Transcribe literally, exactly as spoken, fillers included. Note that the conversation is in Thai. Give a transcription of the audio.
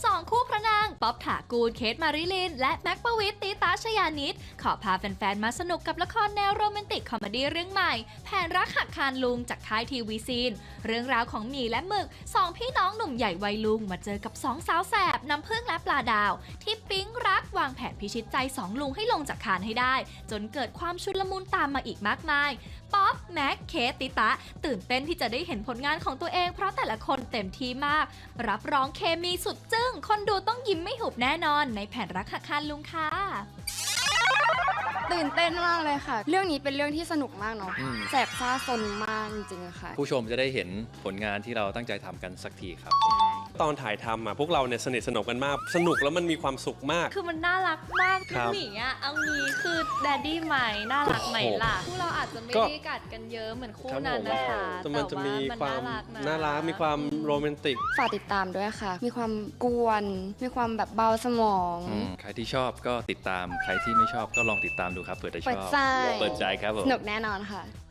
สองคู่พระนางป๊อบถากูลเคทมาริลินและแม็กประวิตรตีตาชยานิดขอพาแฟนๆมาสนุกกับละครแนวโรแมนติกคอมเมดี้เรื่องใหม่แผนรักหักคานลุงจากค่ายทีวีซีนเรื่องราวของหมีและหมึกสองพี่น้องหนุ่มใหญ่วัยลุงมาเจอกับสองสาวแสบน้ำผึ้งและปลาดาวที่ปิ๊งรักวางแผนพิชิตใจสองลุงให้ลงจากคานให้ได้จนเกิดความชุลมุนตามมาอีกมากมายป๊อปแม็กเคทติตะตื่นเต้นที่จะได้เห็นผลงานของตัวเองเพราะแต่ละคนเต็มที่มากรับรองเคมีสุดจึ้งคนดูต้องยิ้มไม่หุบแน่นอนในแผนรักหักคานลุงค่ะตื่นเต้นมากเลยค่ะเรื่องนี้เป็นเรื่องที่สนุกมากเนาะอืมแสบซ่าซนมากจริงๆค่ะผู้ชมจะได้เห็นผลงานที่เราตั้งใจทำกันสักทีครับตอนถ่ายทำอ่ะพวกเราเนี่ยสนิทสนมกันมากสนุกแล้วมันมีความสุขมากคือมันน่ารักมากครับหมีอ่ะเอางี้คือแดดดี้ใหม่น่ารักไหมล่ะพวกเราอาจจะไม่ก็ได้กัดกันเยอะเหมือนคู่ครับนั้นผมนะคะแต่มันจะมีความน่ารักนะน่ารักมีความโรแมนติกฝากติดตามด้วยค่ะ มีความกวน มีความแบบเบาสมองอืมใครที่ชอบก็ติดตามใครที่ไม่ชอบก็ลองติดตามดูครับเผื่อจะชเปิดอบใจเปิดใจครับผมสนุกแน่นอนค่ะ